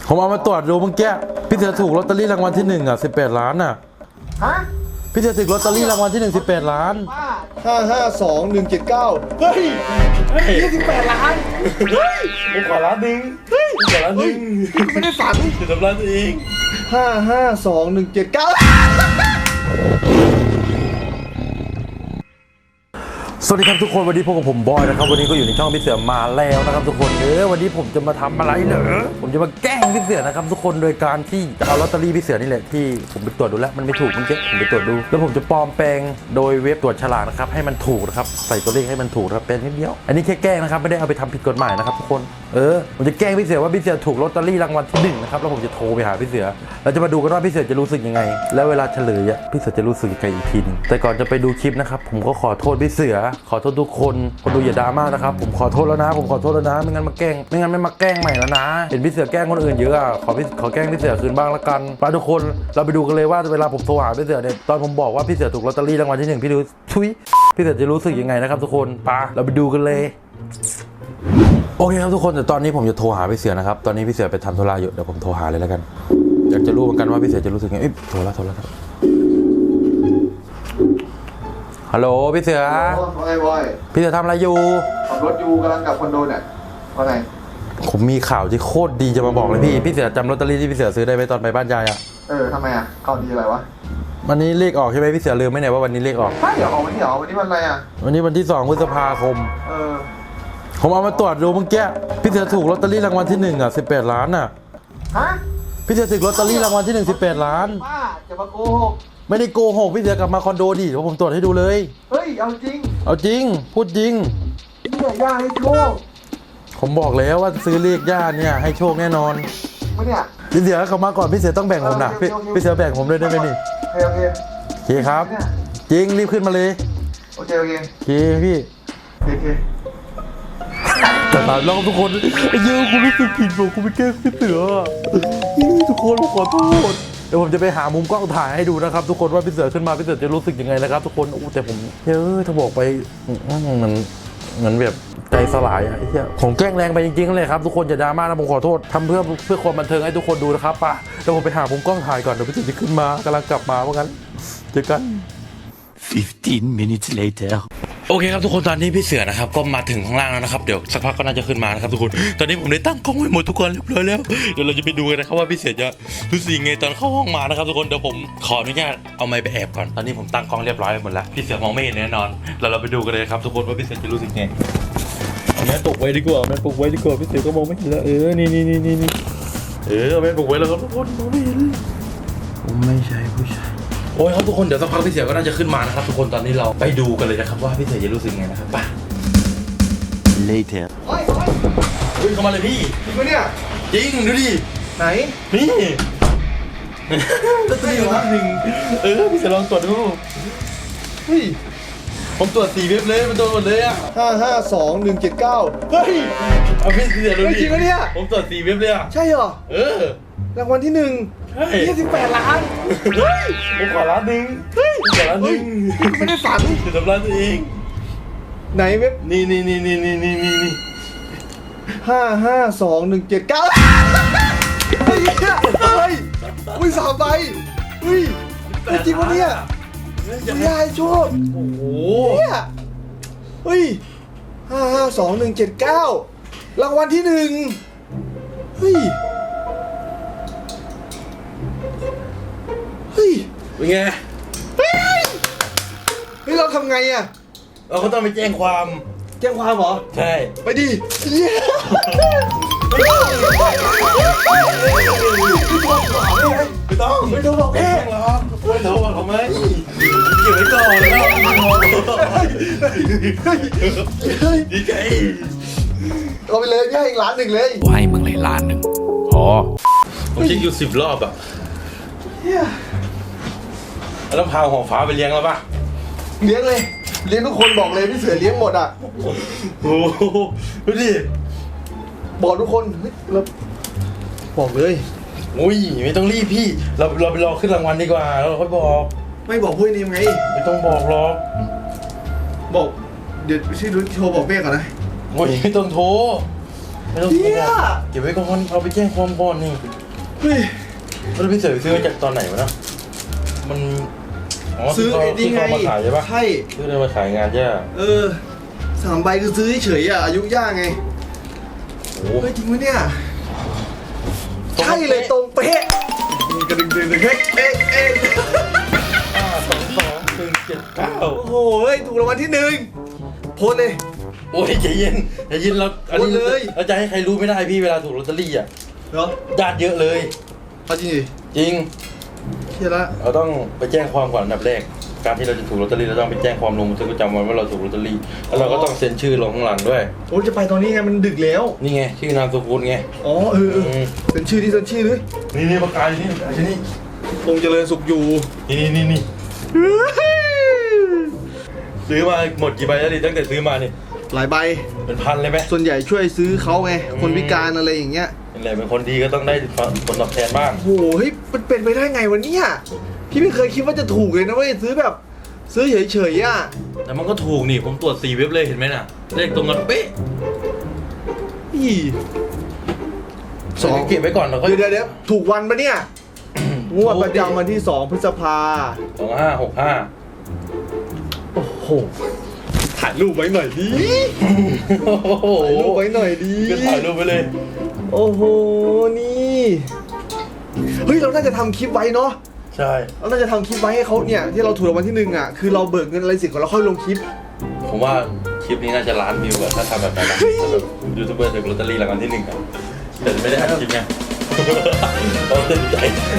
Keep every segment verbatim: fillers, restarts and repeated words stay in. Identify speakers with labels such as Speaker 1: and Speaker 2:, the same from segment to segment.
Speaker 1: ผมเอามาตรวจดูเมื่อกี้พี่เสือถูกลอตเตอรี่รางวัลที่หนึ่งอ่ะสิบแปดล้านอ่ะ
Speaker 2: ฮะ
Speaker 1: พี่เสือถูกลอตเตอรี่รางวัลที่หนึ่งสิบแปดล้าน
Speaker 2: ห้าห้าสองหนึ่งเจ็ดเก้าเฮ้ยยี่สิบแปดล้านเฮ้ย
Speaker 3: ผมขอล้านหนึ่งเฮ้ยขอล้านหนึ่ง
Speaker 2: ไม่ได้ฝัน
Speaker 3: จะทำร้านตัวเอง
Speaker 2: ห้าห้าสองหนึ่งเจ็ดเก้า
Speaker 1: สวัสดีครับทุกคนวันนี้พบกับผมบอยนะครับวันนี้ก็อยู่ในช่องพี่เสือมาแล้วนะครับทุกคนเออวันนี้ผมจะมาทำอะไรเหรอผมจะมาแกล้งพี่เสือนะครับทุกคนโดยการที่จะเอาลอตเตอรี่พี่เสือนี่แหละที่ผมไปตรวจดูแล้วมันไม่ถูกเมื่อกี้ผมไปตรวจดูแล้วผมจะปลอมแปลงโดยเว็บตรวจฉลากนะครับให้มันถูกนะครับใส่ตัวเลขให้มันถูกนะครับเป็นนิดเดียวอันนี้แค่แกล้งนะครับไม่ได้เอาไปทำผิดกฎหมายนะครับทุกคนเออผมจะแกล้งพี่เสือว่าพี่เสือถูกลอตเตอรี่รางวัลที่หนึ่งนะครับแล้วผมจะโทรไปหาพี่เสือเราจะมาดูกันว่าพี่เสือจะรู้สึกยังไงแล้วเวลาเฉลยอ่ะพี่เสือจะรู้สึกยังไงอีกทีนึงแต่ก่อนจะไปดูคลิปนะครับผมก็ขอโทษพี่เสือขอโทษทุกคนคนดูอย่าดราม่านะครับผมขอโทษแล้วนะผมขอโทษแล้วนะไม่งั้นมาแกล้งไม่งั้นไม่มาแกล้งใหม่แล้วนะเห็นพี่เสือแกล้งคนอื่นเยอะอ่ะขอพี่ขอแกล้งพี่เสือคืนบ้างละกันไปทุกคนเราไปดูกันเลยว่าเวลาผมโทรหาพี่เสือเนี่ยตอนผมบอกว่าพี่เสือถูกลอตเตอรี่รางวัลที่หนึ่งพี่ดูชุยพี่เสือจะรู้สึกยังไงนะครับทุกคนไปเราไปดูกันเลยโอเคครับทุกคนแต่ตอนนี้ผมจะโทรหาพี่เสือนะครับตอนนี้พี่เสือไปทำธุระอยู่เดี๋ยวผมโทรหาเลยแล้วกันอยากจะรู้เหมือนกันว่าพี่เสือจะรู้สึกยังไงเอ้ยโทรแล้วโทรแล้วครับฮัลโหลพี่เสือ
Speaker 2: ว่าไงบอย
Speaker 1: พี่เสือทำอะไรอยู่
Speaker 2: ขับรถอยู่กำลังกลับคอนโดเนี่ยว่าไง
Speaker 1: ผมมีข่าวที่โคตรดีจะมาบอกเลยพี่พี่เสือจำลอตเตอรี่ที่พี่เสือซื้อได้ไหมตอนไปบ้านยายอ่ะ
Speaker 2: เออทำไมอ่ะข่าวดีอะไรวะ
Speaker 1: วันนี้เลขออกใช่ไหมพี่เสือลืมไหมเนี่ยว่าวันนี้เลขออก
Speaker 2: ใช่เดี๋ยวออกวันนี้เหรอวันนี้วันอะไรอ่ะ
Speaker 1: วันนี้วันที่สองพฤษภาคม
Speaker 2: เออ
Speaker 1: ผมเอามาตรวจดูเมื่อกี้พี่เสือถูกลอตเตอรี่รางวัลที่หนึ่งอ่ะสิบแปดล้านอ่ะ
Speaker 2: ฮะ
Speaker 1: พี่เสือถูกลอตเตอรี่รางวัลที่หนึ่งสิบแปดล้าน
Speaker 2: ป้าจะมาโกหก
Speaker 1: ไม่ได้โกหกพี่เสือกลับมาคอนโดดิเดี๋ยวผมตรวจให้ดูเลย
Speaker 2: เฮ้ยเอาจริง
Speaker 1: เอาจริงพูดจริง
Speaker 2: เนี่ยย่าให้โชค
Speaker 1: ผมบอกแล้วว่าซื้อเลขย่าเนี่ยให้โชคแน่นอน
Speaker 2: ไม่เนี่ย
Speaker 1: พี่เสือเขามาก่อนพี่เสือต้องแบ่งผมนะพี่พี่เสือแบ่งผมด้วยได้ไหมนี่
Speaker 2: โอเคโอเค
Speaker 1: โอเคครับจริงรีบขึ้นมาเลย
Speaker 2: โอเคโอเค
Speaker 1: โอเคพี่
Speaker 2: โอเค
Speaker 1: แต่ตามเราทุกคนเยอะกูรู้สึกผิดบอกกูไปแกล้งพี่เสือทุกคนผมขอโทษเดี๋ยวผมจะไปหามุมกล้องถ่ายให้ดูนะครับทุกคนว่าพี่เสือขึ้นมาพี่เสือจะรู้สึกยังไงนะครับทุกคนอู้แต่ผมเยอะถ้าบอกไปมันเหมือนแบบใจสลายอะไอ้เหี้ยผมแกล้งแรงไปจริงๆเลยครับทุกคนอย่าดราม่านะผมขอโทษทำเพื่อเพื่อความบันเทิงให้ทุกคนดูนะครับป่ะเดี๋ยวผมไปหามุมกล้องถ่ายก่อนเดี๋ยวพี่เสือจะขึ้นมากำลังกลับมาว่างั้นเจอกัน
Speaker 3: fifteen minutes later
Speaker 1: โอเคครับทุกคนตอนนี้พี่เสือนะครับก็มาถึงข้างล่างแล้วนะครับเดี๋ยวสักพักก็น่าจะขึ้นมานะครับทุกคนตอนนี้ผมได้ตั้งกล้องไว้หมดทุกคนเรียบร้อยแล้วเดี๋ยวเราจะไปดูกันนะครับว่าพี่เสือจะรู้สึกยังไงตอนเข้าห้องมานะครับทุกคนเดี๋ยวผมขออนุญาตเอาไมค์ไปแอบก่อนตอนนี้ผมตั้งกล้องเรียบร้อยหมดแล้วพี่เสือมองไม่เห็นแน่นอนเราเราไปดูกันเลยครับทุกคนว่าพี่เสือจะรู้สึกไงเอาแม่ปลุกไว้ดีกว่าแม่ปลุกไว้ดีกว่าพี่เสือก็มองไม่เห็นแล้วเออนี่นี่นี่นี่เออแม่ปลุกไว้แล้วครับทุกคนมองไม่เห็นผมไม่ใช่ผู้ชายโอ้ยครับทุกคนเดี๋ยวสักพักพี่เสือก็น่าจะขึ้นมานะครับทุกคนตอนนี้เราไปดูกันเลยนะครับว่าพี่เสือจะรู้สึกไงนะครับไป
Speaker 3: later
Speaker 2: เฮ้ย
Speaker 1: เฮ้ยเข้ามาเลยพี่
Speaker 2: จริงปะเนี่ย
Speaker 1: จริงดูดิ
Speaker 2: ไหน
Speaker 1: นี่ลอตเตอรี่รางวัลที่หนึ่งเออพี่เสือลองตรวจดู
Speaker 2: เฮ้ย
Speaker 1: ผมตรวจสี่เว็บเลยมันโดนหมดเลยอ่ะ
Speaker 2: ห้าห้าสองหนึ่งเจ็ดเก้าเฮ้ย
Speaker 1: เอาพี่เสือดูดิ
Speaker 2: จริงปะเนี่ย
Speaker 1: ผมตรวจสี่เว็บเลยอ่ะ
Speaker 2: ใช่เหรอ
Speaker 1: เออ
Speaker 2: รางวัลที่หนึ่งยี่สิบแปดล้าน
Speaker 1: เฮ้ยผมขอล้านหนึ่งเฮ้ยขอล้านหนึ่ง
Speaker 2: ไม่ได้ฝัน
Speaker 1: จะทำร้านตัวเอง
Speaker 2: ไหนเว็บ
Speaker 1: นี่นี่นี่นี่นี่นี่นี่
Speaker 2: ห้าห้าสองหนึ่งเจ็ดเก้าเฮ้ยเฮ้ยอุ้ยสามใบเฮ้ยจริงปะเนี่ยยายโชค
Speaker 1: โอ้โห
Speaker 2: เนี่ยเฮ้ยห้าห้าสองหนึ่งเจ็ดเก้ารางวัลที่หนึ่งเฮ้ยเฮ้ย
Speaker 1: เป็นไง
Speaker 2: เฮ้ยเฮ้ยเราทำไงอ่ะ
Speaker 1: เราก็ต้องไปแจ้งความ
Speaker 2: แจ้งความเหรอ
Speaker 1: ใช่
Speaker 2: ไปดิเย้
Speaker 1: ไม่ต้อง
Speaker 2: ไม่ต้องบอกแม่
Speaker 1: หรอกไม่ต้องบอกทำไมเก็บไว้ก่อนแล้วดีใจ
Speaker 2: เอาไปเลยให้อีกล้านหนึ่งเลย
Speaker 3: ให้มึงเลยล้านหนึ่ง
Speaker 1: พอผมเช็คอยู่สิบรอบอ่ะแล้วพาหัวฟ้าไปเลี้ยงแล้วป่ะ
Speaker 2: เลี้ยงเลยเลี้ยงทุกคนบอกเลยพี่เสือเลี้ยงหมดอ่ะ
Speaker 1: โอ้ดูดิ
Speaker 2: บอกทุกคนเฮ้ยเราบอกเลย
Speaker 1: อุ้ยไม่ต้องรีบพี่เราเราไปรอขึ้นรางวัลดีกว่าเราค่อยบอก
Speaker 2: ไม่บอกพูดนี่ยังไง
Speaker 1: ไม่ต้องบอกหรอก
Speaker 2: บอกเดี๋ยวชื่อรุ่นโทรบอกเมฆก่อนนะ
Speaker 1: โอ้ยไม่ต้องโทรไม่ต้อง
Speaker 2: เฮีย
Speaker 1: เก็บไว้ก่อนเอาไปแจ้งความก่อนนี่
Speaker 2: เฮ้ย
Speaker 1: แล้วพี่เสือซื้อมาจากตอนไหนวะนะมันอ๋อ
Speaker 2: ซื้อไอ้นี่
Speaker 1: ที่
Speaker 2: ไง
Speaker 1: เขามาขายใช่ปะ
Speaker 2: ใช่
Speaker 1: ซื้อได้มาขายงานใช่ปะ
Speaker 2: เออสามใบคือซื้อเฉยๆอ่ะอายุย่างไง
Speaker 1: โอ้โห
Speaker 2: เฮ้ยจริงไหมเนี่ยใช่เลยตรงเป๊ะกระดึงดึงดึงเฮ้ยเอ๊ะเอ๊ะ
Speaker 1: ห้าสองสองหนึ่งเจ็ดเก้า
Speaker 2: โอ้โหเฮ้ยถูกรางวัลที่หนึ่งโพสเลย
Speaker 1: โอ้ยใจเย็นใจเย็นเราอันนี้
Speaker 2: โอนเลย
Speaker 1: เราจะให้ใครรู้ไม่ได้พี่เวลาถูกลอตเตอรี่อ่ะ
Speaker 2: เหรอ
Speaker 1: ญาติเยอะเลย
Speaker 2: เอาจริงดิ
Speaker 1: จริง
Speaker 2: เฮียละ
Speaker 1: เราต้องไปแจ้งความก่อนอันดับแรกการที่เราจะถูกลอตเตอรี่เราต้องไปแจ้งความลงบันทึกประจำวันว่าเราถูกลอตเตอรี่แล้วเราก็ต้องเซ็นชื่อลงข้างหลังด้วย
Speaker 2: โอ้ยจะไปตอนนี้ไงมันดึกแล้ว
Speaker 1: นี่ไงชื่อนามสกุลไง
Speaker 2: อ๋อเออเออ
Speaker 1: อืม
Speaker 2: เป็นชื่อที่เป็นชื่อเลย
Speaker 1: นี่นี่ประกาศนี่ประกาศนี่
Speaker 2: คงเจริญสุขอยู่
Speaker 1: นี่นี่นี่นี่ซื้อมาหมดกี่ใบแล้วดิตั้งแต่ซื้อมานี่
Speaker 2: หลายใบ
Speaker 1: เป็นพันเลยไหม
Speaker 2: ส่วนใหญ่ช่วยซื้อเขาไงคนพิการอะไรอย่างเงี้ย
Speaker 1: เป็นไรเป็นคนดีก็ต้องได้ผลตอบแทนบ้าง
Speaker 2: โอ้โหเฮ้ยมันเป็นไปได้ไงวะเนี่ยพี่ไม่เคยคิดว่าจะถูกเลยนะเว้ยซื้อแบบซื้อเฉยๆอ่ะ
Speaker 1: แต่มันก็ถูกนี่ผมตรวจสี่เว็บเลยเห็นไหมน่ะเลขตรงกันเป๊ะ
Speaker 2: อีสอง
Speaker 1: เก็บไว้ก่อนเราก็
Speaker 2: เดี๋ยวเดี๋ยวถูกวันปะเนี่ยงวดประจำวันที่สองพฤษภา
Speaker 1: สองห้าหกห้า
Speaker 2: โอ้โหถ่ายรูปไว้หน่อยดิ
Speaker 1: โอ้โห
Speaker 2: ถ่ายรูปไว้หน่อยดิ
Speaker 1: ก็ถ่ายรูปไปเลย
Speaker 2: โอ้โหนี่เฮ้ยเราน่าจะทำคลิปไว้เนาะ
Speaker 1: ใช่
Speaker 2: เราน่าจะทำคลิปไว้ให้เขาเนี่ยที่เราถูกรางวัลที่หนึ่งอ่ะคือเราเบิกเงินอะไรเสิก่อนเราค่อยลงคลิป
Speaker 1: ผมว่าคลิปนี้น่าจะล้านวิวอะถ้าทำแบบนั้นนะถ้าแบบยูทูบเบอร์ถูกลอตเตอรี่รางวัลที่หนึ่งอะแต่ไม่ได้อัดคลิปไงเราเต้นใจ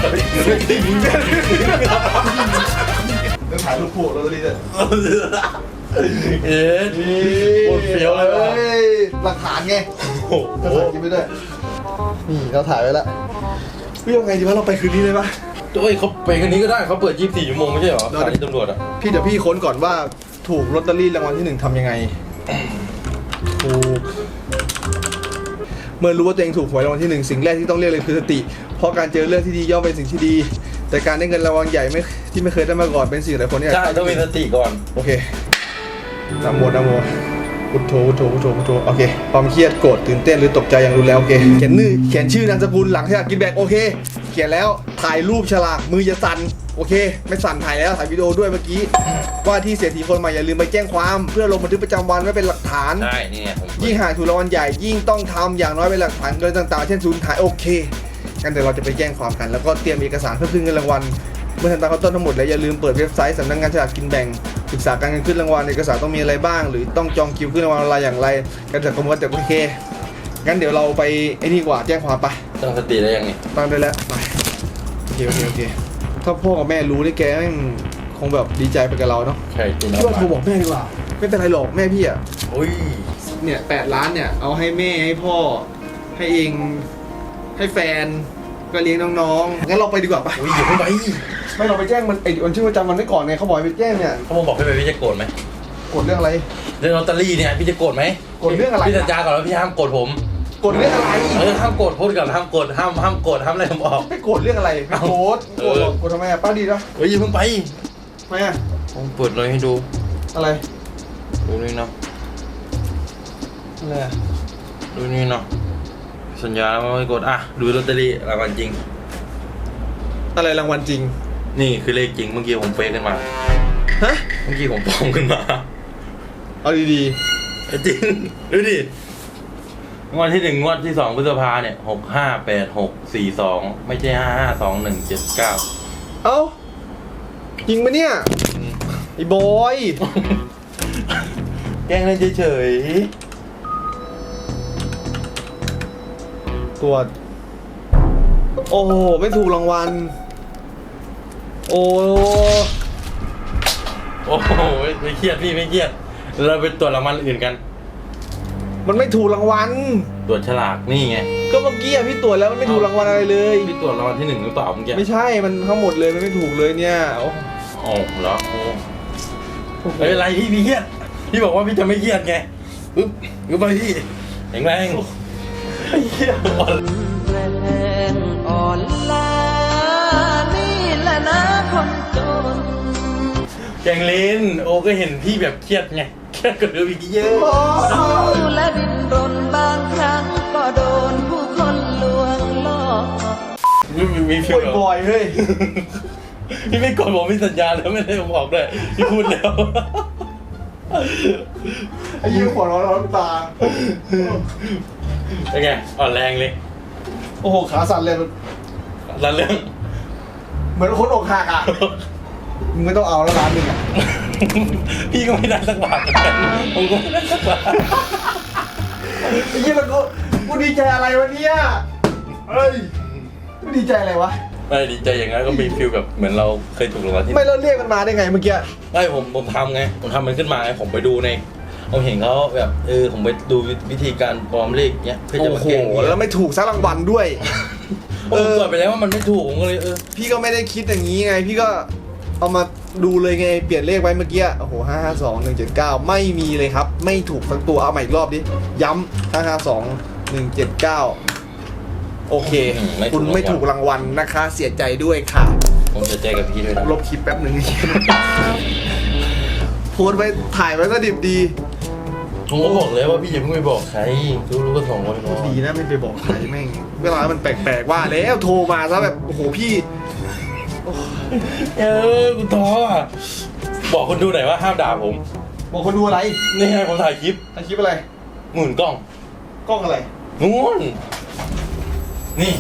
Speaker 2: ต้องถ่ายรูปคู่เราจะดีเลย
Speaker 1: เอ๊ะโคตรเฟี้ยวเลยว่ะ
Speaker 2: หลักฐานไง
Speaker 1: โอ้
Speaker 2: ก็
Speaker 1: โห
Speaker 2: ถ่ายคลิปไปด้วยนี่เราถ่ายไว้แล้วพี่ยังไงดีวะเราไปคืนนี้เลยปะ
Speaker 1: เอ้ยเขาไปกันนี้ก็ได้เขาเปิดยี่สิบสี่ชั่วโมงไม่ใช่เหรอ
Speaker 2: ได้
Speaker 1: สถานีตำรวจอะ
Speaker 2: พี่เดี๋ยวพี่ค้นก่อนว่าถูกลอตเตอรี่รางวัลที่หนึ่งทำยังไงถูกเมื่อรู้ว่าตัวเองถูกหวยรางวัลที่หนึ่งสิ่งแรกที่ต้องเรียกเลยคือสติ เพราะการเจอเรื่องที่ดีย่อมเป็นสิ่งที่ดี แต่การได้เงินรางวัลใหญ่ไม่ที่ไม่เคยได้มาก่อนเป็นสิ่งหลายคนเนี่ย
Speaker 1: ใช่ต้องมีสติก่อน
Speaker 2: โอเคนะโมนะโมพุทโธพุทโธพุทโธพุทโธโอเคความเครียดโกรธตื่นเต้นหรือตกใจอย่างรุนแรงโอเคเขียนชื่อเขียนชื่อนามสกุลหลังฉลากกินแบ่งโอเค เขียนแล้วถ่ายรูปฉลากมืออย่าสั่นโอเค ไม่สั่นถ่ายแล้วถ่ายวิดีโอด้วยเมื่อกี้ว่าที่เศรษฐีคนใหม่อย่าลืมไปแจ้งความเพื่อลงบันทึกประจำวันไว้เป็นหลักฐาน
Speaker 1: ใช่นี่ไงผม
Speaker 2: ยิ่งหากถูกรางวัลใหญ่ยิ่งต้องทำอย่างน้อยเป็นหลักฐานโดยต่างๆ เช่นสูญหายโอเคงั้นเดี๋ยวเราจะไปแจ้งความกันแล้วก็เตรียมเอกสารเพื่อขึ้นเงินรางวัลเมื่อทำตามขั้นตอนทั้งหมดแล้วอย่าลืมเปิดเว็บไซต์สำนักงานฉลากกินแบ่งศึกษาการเงินขึ้นรางวัลเอกสารต้องมีอะไรบ้าง หรือต้องจองคิวขึ้นรางวัลอะไรอย่างไรการจัดกรมกันแต่โอเคงั้นเดี๋ยวเราไปไอ้นี่กว่าแจ้งความไป
Speaker 1: ตั้งสติได้ยังไง
Speaker 2: ตั้งได้แล้วไปโอเคโอเคโอเคถ้าพ่อกับแม่รู้นี่แกแม่งคงแบบดีใจไปกับเราเนาะ
Speaker 1: ใช่จริง
Speaker 2: พี่ว่าโทรบอกแม่ดีกว่าไม่เป็นไรหรอกแม่พี่อะ
Speaker 1: โอ้ย
Speaker 2: เนี่ยแปดล้านเนี่ยเอาให้แม่ให้พ่อให้เองให้แฟนก็เลี้ยงน้องๆงั้นเราไปดีกว่าปะ
Speaker 1: โอ้ยอย่าเพิ่งไป
Speaker 2: ไม่เราไปแจ้งมันไอ้วันชื่อประจำวันไว้ก่อนไงเขาบอกให้ไปแจ้งเนี่ย
Speaker 1: เขามาบอกให้ไปพี่จะโกรธไหม
Speaker 2: กดเรื่องอะไร
Speaker 1: เรื่องลอตเตอรี่เนี่ยพี่จะโกรธไหม
Speaker 2: โกรธเรื่องอะไร
Speaker 1: พี่สัญญาก่อนว่าพี่ห้ามโกรธผม
Speaker 2: กดเรื่องอะไร
Speaker 1: เออห้ามโกรธพูดก่อนห้ามโกรธห้ามห้ามโกรธห้ามอะไรผมออก
Speaker 2: ไม่กดเรื่องอะไรไม่โกดโกดหรอกกดทำไมอะป้าดีนะ
Speaker 1: เฮ้ยอย่าเพิ่งไป
Speaker 2: ทำไมอะ
Speaker 1: ผมเปิดเลยให้ดู
Speaker 2: อะไร
Speaker 1: ดูนี่เนาะ
Speaker 2: อะไรอะ
Speaker 1: ดูนี่เนาะสัญญาว่าไม่โกรธอ่ะดูลอตเตอรี่รางวัลจริง
Speaker 2: อะไรรางวัลจริง
Speaker 1: นี่คือเลขจริงเมื่อกี้ผมเฟซขึ้นมา
Speaker 2: ฮะ
Speaker 1: เมื่อกี้ผมปลอมขึ้นมา
Speaker 2: เอาดี
Speaker 1: จริงดูดิงวดที่หนึ่งงวดที่สองพฤษภาเนี่ยหกห้าแปดหกสี่สองไม่ใช่ห้าห้าสองหนึ่งเจ็ดเก้า
Speaker 2: ๆเอ้าจริงปะเนี่ยไอ้บอย
Speaker 1: แกล้งเล่นเฉย
Speaker 2: ตรวจโอ้โหไม่ถูกรางวัลโอ้
Speaker 1: ๆโอ้โหไม่เครียดพี่ไม่เครียดเราไปตรวจรางวัลอื่นกัน
Speaker 2: มันไม่ถูกรางวัล
Speaker 1: ตรวจฉลากนี่ไง
Speaker 2: ก็เมื่อกี้อะพี่ตรวจแล้วมันไม่ถูกรางวัลอะไรเลย
Speaker 1: พี่ตรวจรางวัลที่หนึ่งหรือเปล่าเมื่อกี้
Speaker 2: ไม่ใช่มันทั้งหมดเลยมันไม่ถูกเลยเนี่ยโอ้
Speaker 1: โอ้เหรอโอ้ไม่เป็นไรพี่พี่เครียดพี่บอกว่าพี่จะไม่เครียดไงปึ๊บปึ๊บไปพี่แข็งแรงไอ้เหี้ยอ่อน
Speaker 4: แรงอ่อนล้านี่แหละนะคนจน
Speaker 1: แกงเลนโอ้ก็เห็นพี่แบบเครียดไงเครียดกว่าเดิมอีกเยอะ
Speaker 4: เศร้าและดิ้นรนบางครั้งก็โดนผู้คนลวงล่อ
Speaker 1: มีมีฟิ
Speaker 2: ป่
Speaker 1: ล
Speaker 2: วยบ่อยเฮ้ย
Speaker 1: พี่ไม่กดผมมีสัญญาแล้วไม่ได้บอกด้วยพี่พูดแล้ว
Speaker 2: ไอ้ยี่หัวร้อนร้อนตา
Speaker 1: เป็นไงอ่อนแรงเลย
Speaker 2: โอ้โหขาสั่นเลย
Speaker 1: ละเรื่อง
Speaker 2: เหมือนคนอกหักอ่ะมึงไม่ต้องเอาแล้วร้านหนึ่งอ่ะ
Speaker 1: พี่ก็ไม่ได้สักบาทเหมือนกันผมก็ไม่ได้สักบาท
Speaker 2: ไอ้ยี่แล้วกูกูดีใจอะไรวะเนี่ยเฮ้ยกูดีใจอะไรวะ
Speaker 1: ไม่ดีใจอย่างนั้นก็มีฟิลแบบเหมือนเราเคยถูกรางวัลที่
Speaker 2: ไม่แล้วเรียกมันมาได้ไงเมื่อกี้
Speaker 1: ไม่ผมผมทำไงผมทำมันขึ้นมาไงผมไปดูในผมเห็นเขาแบบเออผมไปดูวิธีการปลอมเลขเนี้ยเพื่อจะ
Speaker 2: โอ้
Speaker 1: มา
Speaker 2: โห
Speaker 1: แกล้งพี่
Speaker 2: แล้วไม่ถูกสักรางวัลด้วย
Speaker 1: ผมตรวจไปแล้วว่ามันไม่ถูกผมก็เลยเออ
Speaker 2: พี่ก็ไม่ได้คิดอย่างนี้ไง พี่ก็เอามาดูเลยไงเปลี่ยนเลขไว้เมื่อกี้โอ้โหห้าห้าสองหนึ่งเจ็ดเก้าไม่มีเลยครับ ไม่ถูกสักตัวเอาใหม่อีกรอบดิย้ำห้าห้าสองหนึ่งเจ็ดเก้าโอเค คุณไม่ถูกรางวัลนะคะ เสียใจด้วยค่ะ
Speaker 1: ผมจะแจ้งกับพี่ด้วยนะ
Speaker 2: ลบคลิปแป๊บหนึ่ง โพสต์ไว้ถ่ายไว้ก็ดิบดี
Speaker 1: ผมก็บอกเลยว่าพี่อย่าเพิ่งไปบอกใครรู้รู้ก็สองคนพอ
Speaker 2: ดีนะไม่ไปบอกใครแม่งเวลามันแปลกๆว่าแล้วโทรมาซะแบบโอ้โหพี่
Speaker 1: เออกูท้ออ่ะบอกคนดูหน่อยว่าห้ามด่าผม
Speaker 2: บอกคนดูอะไร
Speaker 1: นี่ไงผมถ่ายคลิป
Speaker 2: ถ่ายคลิปอะไร
Speaker 1: หมุนกล้อง
Speaker 2: กล้องอะไร
Speaker 1: นู่นนี่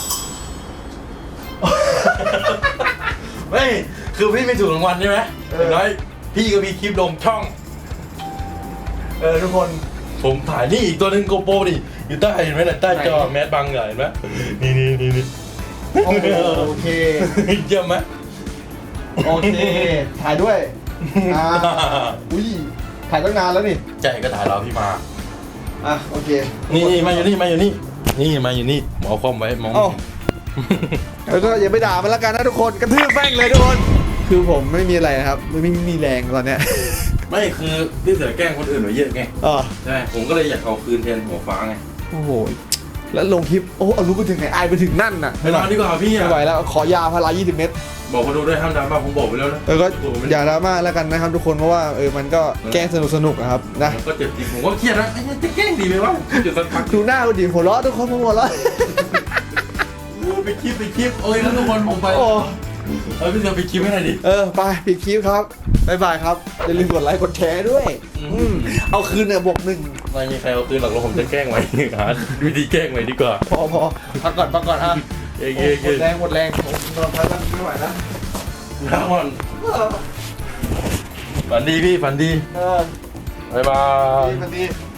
Speaker 1: ไม่คือพี่ไม่ถูกรางวัลใช่ไหม
Speaker 2: เออ
Speaker 1: อย่างน้อยพี่ก็มีคลิปลงช่อง
Speaker 2: เออทุกคน
Speaker 1: ผมถ่ายนี่อีกตัวหนึ่งโกโปรดิอยู่ใต้เห็นไหมน่ะใต้จอแมสบังเหรอเห็นไหมนี่นี่นี่นี่
Speaker 2: โอเคโอเค
Speaker 1: เยี่ยมไหม
Speaker 2: โอเคถ่ายด้วยอ่าอุ้ยถ่ายตั้งนานแล้วนี่
Speaker 1: ใจก็ถ่ายเราพี่มา
Speaker 2: อ่ะโอเค
Speaker 1: นี่นี่มาอยู่นี่มาอยู่นี่นี่มาอยู่นี่หมอคอมไว้มอง
Speaker 2: เอ้าแล้วก็อย่าไปด่ามันละกันนะทุกคนกระทืบแม่งเลยทุกคนคือผมไม่มีอะไรนะครับไม่ไม่มีแรงตอนเนี้ย
Speaker 1: ไม่คือพี่เสือแกล้งคนอื่นไว้เยอะไง
Speaker 2: อ๋อ
Speaker 1: ใช่ผมก็เลยอยากเอาคืนแทนหัวฟ้าไง
Speaker 2: โอ้โหแล้วลงคลิปโอ้เอารู้ไปถึงไหนอายไปถึงนั่นน่ะ
Speaker 1: ไปนอนดีกว่าพี่
Speaker 2: ไม่
Speaker 1: อ่ะ
Speaker 2: ไหวแล้วขอยาพารายี่สิบเม็ด
Speaker 1: บอกคนดูด้วยห้ามดราม่าผมบอกไปแล้วนะ
Speaker 2: เออก็อย่าดราม่าแล้วกันนะครับทุกคนเพราะว่าเออมันก็แกล้งสนุกสนุกอะครับนะ
Speaker 1: ผมก็เจ็บจริงผมก็เครียดนะไอ้เนี่ยจะแกล้งดีไหมวะเดี๋ยวสักพัก
Speaker 2: ดูหน้าคุณดิหัวเราะทุกคนหัวเราะ
Speaker 1: ไปคลิปไปคลิปโอ้ยแล้วทุกคนผมไป
Speaker 2: โอ้
Speaker 1: เออพี่เสือไปคลิปให้หน่อยดิ
Speaker 2: เออไปปิดคลิปครับบ๊ายบายครับอย่าลืมกดไลค์กดแชร์ด้วย
Speaker 1: อืม
Speaker 2: อืมเอาคืนเนี่ยบวกหนึ่ง
Speaker 1: ไม่มีใครเอาคืนหรอกแล้วผมจะแกล้งไว้หาวิธีแกล้งไว้ดีกว่า
Speaker 2: พอพอพักก่อนพักก่อนอ่ะ
Speaker 1: เย้
Speaker 2: โอ้
Speaker 1: เย้
Speaker 2: หม
Speaker 1: เย้
Speaker 2: ดแรงหมดแรงผมนอนพักแล้วไม่ไหวแล้ว
Speaker 1: พักผ่อนฝันดีพี่ฝันดี
Speaker 2: เออ
Speaker 1: บ๊ายบาย
Speaker 2: ดีมันดี